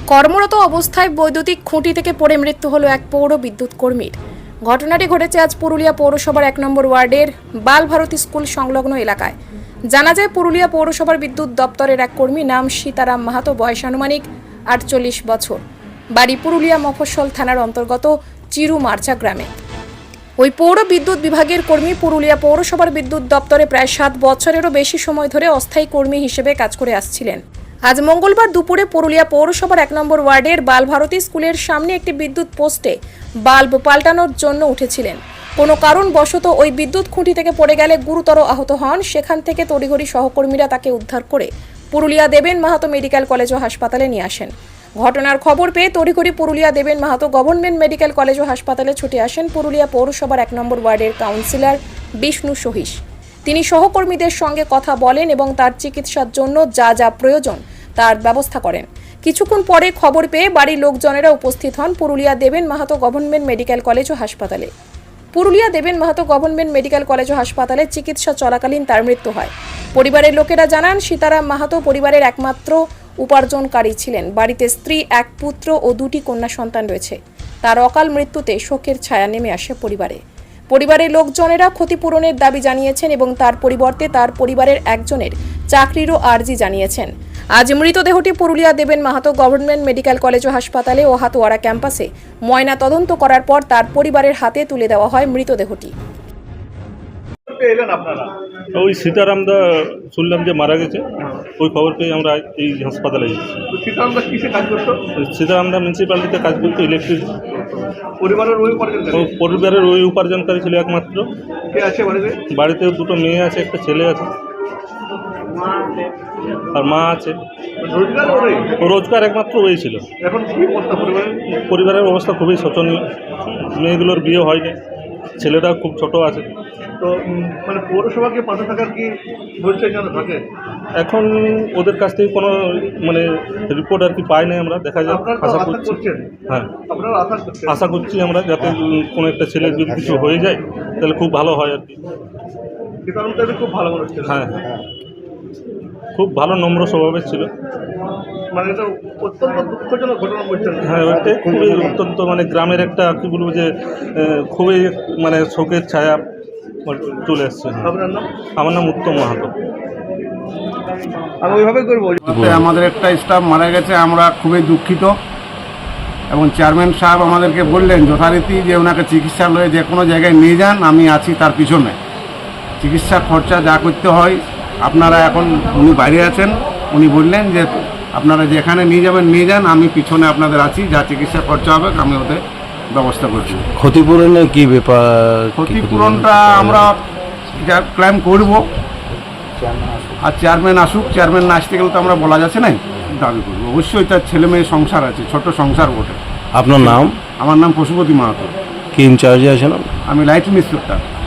কর্মরত অবস্থায় বৈদ্যুতিক খুঁটি থেকে পড়ে মৃত্যু হলো এক পৌর বিদ্যুৎ কর্মীর। ঘটনাটি ঘটেছে আজ পুরুলিয়া পৌরসভার 1 নম্বর ওয়ার্ডের বালভারতী স্কুল সংলগ্ন এলাকায়। জানা যায় পুরুলিয়া পৌরসভার বিদ্যুৎ দপ্তরের এক কর্মী, নাম সীতারাম মাহাতো, বয়স আনুমানিক 48 বছর, বাড়ি পুরুলিয়া মফস্বল থানার অন্তর্গত চিরুমার্চা গ্রামে। ওই পৌর বিদ্যুৎ বিভাগের কর্মী পুরুলিয়া পৌরসভার বিদ্যুৎ দপ্তরে প্রায় 7 বছরেরও বেশি সময় ধরে অস্থায়ী কর্মী হিসেবে কাজ করে আসছিলেন। আজ মঙ্গলবার দুপুরে পুরুলিয়া পৌরসভার 1 নম্বর ওয়ার্ডের বালভারতী স্কুলের সামনে একটি বিদ্যুৎ পোস্টে বাল্ব পাল্টানোর জন্য উঠেছিলেন। কোনো কারণবশত ওই বিদ্যুৎ খুঁটি থেকে পড়ে গেলে গুরুতর আহত হন। সেখান থেকে তড়িঘড়ি সহকর্মীরা তাকে উদ্ধার করে পুরুলিয়া দেবেন মাহাতো মেডিকেল কলেজ ও হাসপাতালে নিয়ে আসেন। ঘটনার খবর পেয়ে তড়িঘড়ি Purulia Deben Mahato Government Medical College ও হাসপাতালে ছুটে আসেন পুরুলিয়া পৌরসভার 1 নম্বর ওয়ার্ডের কাউন্সিলর বিষ্ণু সহিস। তিনি সহকর্মীদের সঙ্গে কথা বলেন এবং তার চিকিৎসার জন্য যা যা প্রয়োজন তার ব্যবস্থা করেন। কিছুক্ষণ পরে খবর পেয়ে বাড়ির লোকজনেরা উপস্থিত হন Purulia Deben Mahato Government Medical College ও হাসপাতালে। Purulia Deben Mahato Government Medical College ও হাসপাতালে চিকিৎসা চলাকালীন তার মৃত্যু হয়। পরিবারের লোকেরা জানান, সীতারাম মাহাতো পরিবারের একমাত্র উপার্জনকারী ছিলেন। বাড়িতে স্ত্রী, এক পুত্র ও 2টি কন্যা সন্তান রয়েছে। তার অকাল মৃত্যুতে শোকের ছায়া নেমে আসে পরিবারে। পরিবারের লোকজনেরা ক্ষতিপূরণের দাবি জানিয়েছেন এবং তার পরিবর্তে তার পরিবারের একজনের চাকরিরও আর্জি জানিয়েছেন। আজ মৃতদেহটি Purulia Deben Mahato Government Medical College ও হাসপাতালে ও হাতোয়ারা ক্যাম্পাসে ময়না তদন্ত করার পর তার পরিবারের হাতে তুলে দেওয়া হয় মৃতদেহটি। ওই সীতারামদা শুনলাম যে মারা গেছে, ওই খবর পেয়ে আমরা এই হাসপাতালে এসেছি। সীতারামদা মিউনিসিপ্যালিটিতে কাজ করতো, ইলেকট্রিক। পরিবারের ওই উপার্জনকারী ছিল একমাত্র। বাড়িতে 2টো মেয়ে আছে, একটা ছেলে আছে আর মা আছে। রোজগার একমাত্র ওই ছিল। পরিবারের অবস্থা খুবই শোচনীয়। মেয়েগুলোর বিয়ে হয়নি, ছেলেটা খুব ছোট আছে। তো মানে পৌরসভাকে পাশে থাকার কি বলছে কেন থাকে? এখন ওদের কাছ থেকে কোনো মানে রিপোর্ট আর কি পাই নাই আমরা। দেখা যাক, আশা করছি। হ্যাঁ, আপনারা আশা করছি আমরা যাতে কোনো একটা ছেলের যদি কিছু হয়ে যায় তাহলে খুব ভালো হয় আর কি। খুব ভালো মনে হচ্ছে। হ্যাঁ, খুব ভালো নম্র স্বভাবের ছিল। মানে এটা অত্যন্ত দুঃখজনক ঘটনা বলছেন। হ্যাঁ, ওইটাই খুবই অত্যন্ত মানে গ্রামের একটা কী বলবো যে খুবই মানে শোকের ছায়া চলে এসছে। আপনার নাম? আমার নাম উত্তম মাহাতো। আমি ওইভাবে করবো। আমাদের একটা স্টাফ মারা গেছে, আমরা খুবই দুঃখিত এবং চেয়ারম্যান সাহেব আমাদেরকে বললেন যথারীতি যে ওনাকে চিকিৎসালয়ে যে কোনো জায়গায় নিয়ে যান, আমি আছি তার পিছনে। চিকিৎসা খরচা যা করতে হয় আপনারা, এখন উনি বাইরে আছেন, উনি বললেন যে আপনারা যেখানে নিয়ে যাবেন নিয়ে যান, আমি পিছনে আপনাদের আছি, যা চিকিৎসা খরচা হবে আমি ওদের ব্যবস্থা করছি। ক্ষতিপূরণের কি ব্যাপার? ক্ষতিপূরণটা আমরা যা ক্লেম করব, আর চেয়ারম্যান আসুক, চেয়ারম্যান না আসতে গেলে তো আমরা বলা যাচ্ছে না, দাবি করবো। অবশ্যই তার ছেলে মেয়ে সংসার আছে, ছোট সংসার বটে। আপনার নাম? আমার নাম পশুপতি মাহাতো। কি ইনচার্জে আছেন? আমি লাইট ইন্সপেক্টর।